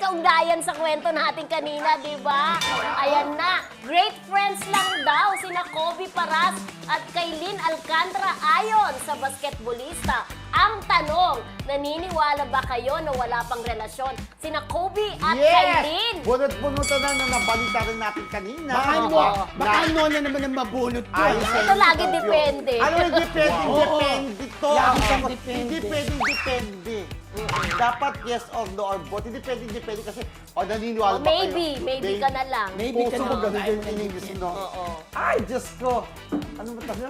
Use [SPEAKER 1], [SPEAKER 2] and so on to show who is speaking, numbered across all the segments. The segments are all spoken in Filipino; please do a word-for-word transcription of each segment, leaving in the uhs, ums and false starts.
[SPEAKER 1] kaugnayan sa kwento natin kanina, di ba? Ayan na, great friends lang daw sina Kobe Paras at Kailin Alcantara ayon sa basketballista. Ang tanong, naniniwala ba kayo na wala pang relasyon sina Kobe at Kailin?
[SPEAKER 2] Bunot-bunutan na na nabalita rin natin kanina.
[SPEAKER 3] Baka
[SPEAKER 2] Diba?
[SPEAKER 3] no, baka no na naman ang mabunot ko.
[SPEAKER 2] Ay,
[SPEAKER 3] ah.
[SPEAKER 2] sa
[SPEAKER 1] Ito lagi
[SPEAKER 2] interview.
[SPEAKER 1] depende.
[SPEAKER 2] Ano yung depende?
[SPEAKER 3] Oo.
[SPEAKER 2] Depende to.
[SPEAKER 3] Lagi
[SPEAKER 2] Ang
[SPEAKER 3] siyang
[SPEAKER 2] sagot,
[SPEAKER 3] depende.
[SPEAKER 2] Hindi pwedeng depende. Dapat yes or no or both. Hindi pwedeng depende kasi o naniniwala
[SPEAKER 1] Oh,
[SPEAKER 2] ba
[SPEAKER 1] maybe,
[SPEAKER 2] kayo?
[SPEAKER 1] maybe ka na lang.
[SPEAKER 3] Maybe ka
[SPEAKER 2] Puso
[SPEAKER 3] na
[SPEAKER 2] mo
[SPEAKER 3] lang.
[SPEAKER 2] ganun
[SPEAKER 3] Ay,
[SPEAKER 2] din in English, no?
[SPEAKER 1] Oo.
[SPEAKER 2] Ay, Diyos ko. Ano ba tayo?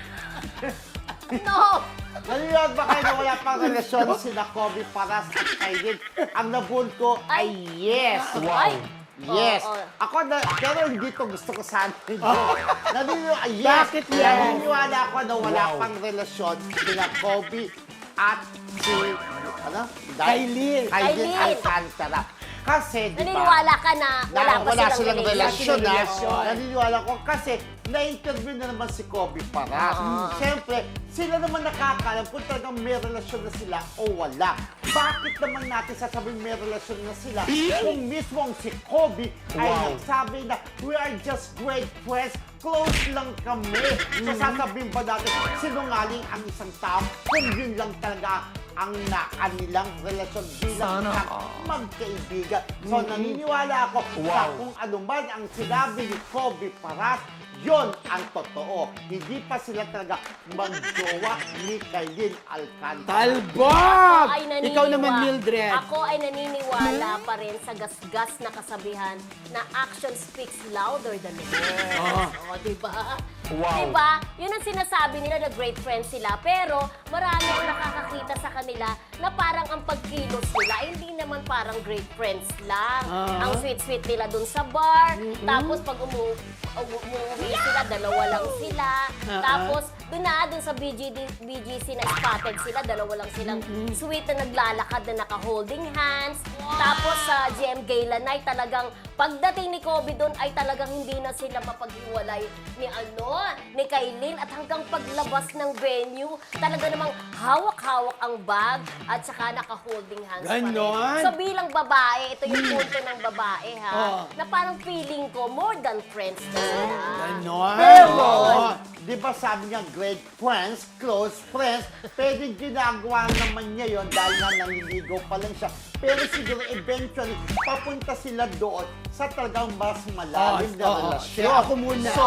[SPEAKER 1] No!
[SPEAKER 2] Naniniwala ba kayo na wala pang relasyon sina Kobe Paras at Kailin? Ang nabul ko ay yes.
[SPEAKER 1] Ay!
[SPEAKER 2] Yes.
[SPEAKER 1] Oo, oo.
[SPEAKER 2] Ako na, pero hindi ko gusto ko sana. Naniniwala, yes.
[SPEAKER 3] Bakit yes?
[SPEAKER 2] Naniniwala ako na wala
[SPEAKER 3] Wow.
[SPEAKER 2] pang relasyon sina Kobe at si, ano?
[SPEAKER 3] Kailin.
[SPEAKER 2] Kailin
[SPEAKER 1] Kailin.
[SPEAKER 2] Alcantara. Kasi, di ba?
[SPEAKER 1] Naniniwala ka na wala
[SPEAKER 2] na
[SPEAKER 1] pa
[SPEAKER 2] wala
[SPEAKER 1] silang,
[SPEAKER 2] silang relasyon,
[SPEAKER 3] Wala
[SPEAKER 2] ha?
[SPEAKER 3] silang relasyon.
[SPEAKER 2] Naniniwala ko kasi na-interview na naman si Kobe Paras.
[SPEAKER 1] Oo.
[SPEAKER 2] Siyempre, sila naman nakakalam kung talagang may relasyon na sila o wala. Bakit naman natin sasabihin may relasyon na sila kung mismong si Kobe ay
[SPEAKER 3] Wow.
[SPEAKER 2] nagsabi na we are just great friends, close lang kami. So sasabihin ba natin sinungaling ang isang tao kung yun lang talaga ang na kanilang relasyon bilang
[SPEAKER 3] Sana
[SPEAKER 2] isang magkaibigan. So naniniwala ako sa
[SPEAKER 3] Wow.
[SPEAKER 2] kung ano man ang sinabi ni Kobe Paras, yon ang totoo. Hindi pa sila talaga magjowa ni Kailin Alcantara.
[SPEAKER 3] Talbog!
[SPEAKER 1] Ay, naniniwa-
[SPEAKER 3] Ikaw naman, Mildred.
[SPEAKER 1] Ako ay naniniwala pa rin sa gasgas na kasabihan na action speaks louder than words.
[SPEAKER 3] Ah.
[SPEAKER 1] Oh, di ba?
[SPEAKER 3] Wow.
[SPEAKER 1] Di ba? Yun ang sinasabi nila na great friends sila. Pero marami ang nakakakita sa kanila na parang ang pagkilos nila ay hindi naman parang great friends lang.
[SPEAKER 3] Ah.
[SPEAKER 1] Ang sweet-sweet nila dun sa bar. Tapos pag umu umu- umuwi sila, dalawa lang sila.
[SPEAKER 3] Ah,
[SPEAKER 1] Tapos doon na, doon sa B G D, B G C na spotted sila, dalawa lang silang sweet na naglalakad na naka-holding hands. Tapos sa G M Gala Night, talagang pagdating ni Kobe doon ay talagang hindi na sila mapaghiwalay ni ano, ni Kailin. At hanggang paglabas ng venue, talaga namang hawak-hawak ang bag at saka naka-holding hands pa rin.
[SPEAKER 3] Ganon?
[SPEAKER 1] So bilang babae, ito yung punto ng babae ha,
[SPEAKER 3] Oh.
[SPEAKER 1] na parang feeling ko more than friends na sila.
[SPEAKER 3] Ganon.
[SPEAKER 2] Pero,
[SPEAKER 3] Oo.
[SPEAKER 2] di ba sabi niya, great friends, close friends, pwedeng ginagawa naman niya yon dahil nga nanliligaw pa lang siya. Pero siguro eventually, papunta sila doon sa talagang mas malalim
[SPEAKER 3] Oo,
[SPEAKER 2] na
[SPEAKER 3] oo.
[SPEAKER 2] relasyon.
[SPEAKER 3] Kaya ako muna.
[SPEAKER 2] So,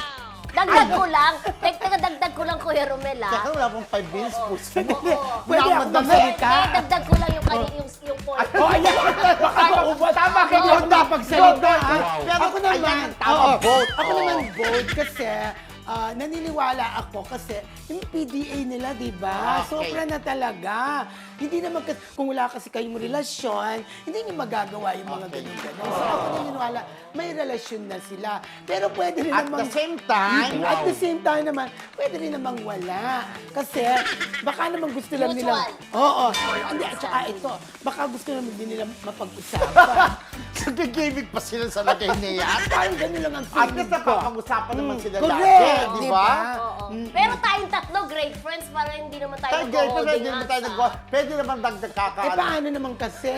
[SPEAKER 1] Dagdag ko lang, teka, dagdag ko lang Kuya Romel ha.
[SPEAKER 2] teka, wala pong five minutes po.
[SPEAKER 1] Oo.
[SPEAKER 3] Pwede ako magsalita?
[SPEAKER 1] Eh, dagdag ko lang yung, kani, yung, yung point.
[SPEAKER 3] Oh, ayan. Baka maubos.
[SPEAKER 2] Tama kayo.
[SPEAKER 3] Ikaw napagsalita, ha?
[SPEAKER 2] Wow.
[SPEAKER 3] Pero ako naman,
[SPEAKER 2] Ayan ang tama,
[SPEAKER 3] oo,
[SPEAKER 2] vote.
[SPEAKER 3] Ako
[SPEAKER 2] Oo.
[SPEAKER 3] naman vote kasi ah, naniniwala ako kasi yung P D A nila, di ba?
[SPEAKER 2] Okay.
[SPEAKER 3] Sobra na talaga. Hindi naman, kasi, kung wala kasi kayong relasyon, hindi niyo magagawa yung mga
[SPEAKER 2] Okay.
[SPEAKER 3] ganun-ganun. So ako naniniwala, may relasyon na sila. Pero pwede rin
[SPEAKER 2] At
[SPEAKER 3] namang...
[SPEAKER 2] the same time,
[SPEAKER 3] At the same time naman, pwede rin namang wala. Kasi baka naman gusto lang nila...
[SPEAKER 1] Mutual.
[SPEAKER 3] Oo. Hindi, at saka ito, baka gusto naman din nila mapag-usapan.
[SPEAKER 2] nagkikimik pa sila sa lagay niya.
[SPEAKER 3] Parang ganun lang ang
[SPEAKER 2] At
[SPEAKER 3] feeling
[SPEAKER 2] least
[SPEAKER 3] ko.
[SPEAKER 2] napapag-usapan naman
[SPEAKER 3] Mm,
[SPEAKER 2] sila
[SPEAKER 3] correct,
[SPEAKER 2] lagi, di
[SPEAKER 3] di
[SPEAKER 2] ba?
[SPEAKER 3] ba?
[SPEAKER 1] Oo. Pero tayong tatlo, great friends, para hindi naman tayo
[SPEAKER 2] Tayo, girl, pwede
[SPEAKER 1] mag-holding
[SPEAKER 2] naman
[SPEAKER 1] hands,
[SPEAKER 2] tayo
[SPEAKER 1] ah.
[SPEAKER 2] nag Pwede naman dagdag
[SPEAKER 3] Eh,
[SPEAKER 2] kakaalam.
[SPEAKER 3] paano naman kasi?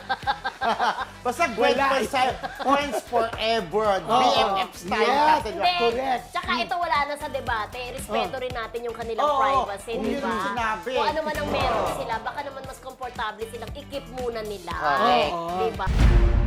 [SPEAKER 2] Basta great
[SPEAKER 3] Wala
[SPEAKER 2] friends
[SPEAKER 3] eh.
[SPEAKER 2] tayo. Friends forever.
[SPEAKER 3] Oo.
[SPEAKER 2] B F F style
[SPEAKER 3] Yes.
[SPEAKER 2] natin.
[SPEAKER 1] Hindi.
[SPEAKER 3] Correct.
[SPEAKER 1] Tsaka ito wala na sa debate. Respeto rin natin yung kanilang
[SPEAKER 2] Oo,
[SPEAKER 1] privacy,
[SPEAKER 2] kung
[SPEAKER 1] di
[SPEAKER 2] yun
[SPEAKER 1] ba?
[SPEAKER 2] ang sinabi.
[SPEAKER 1] Kung ano man ang meron sila, baka naman mas komportable silang i-keep muna nila.
[SPEAKER 2] Correct.
[SPEAKER 1] Di ba?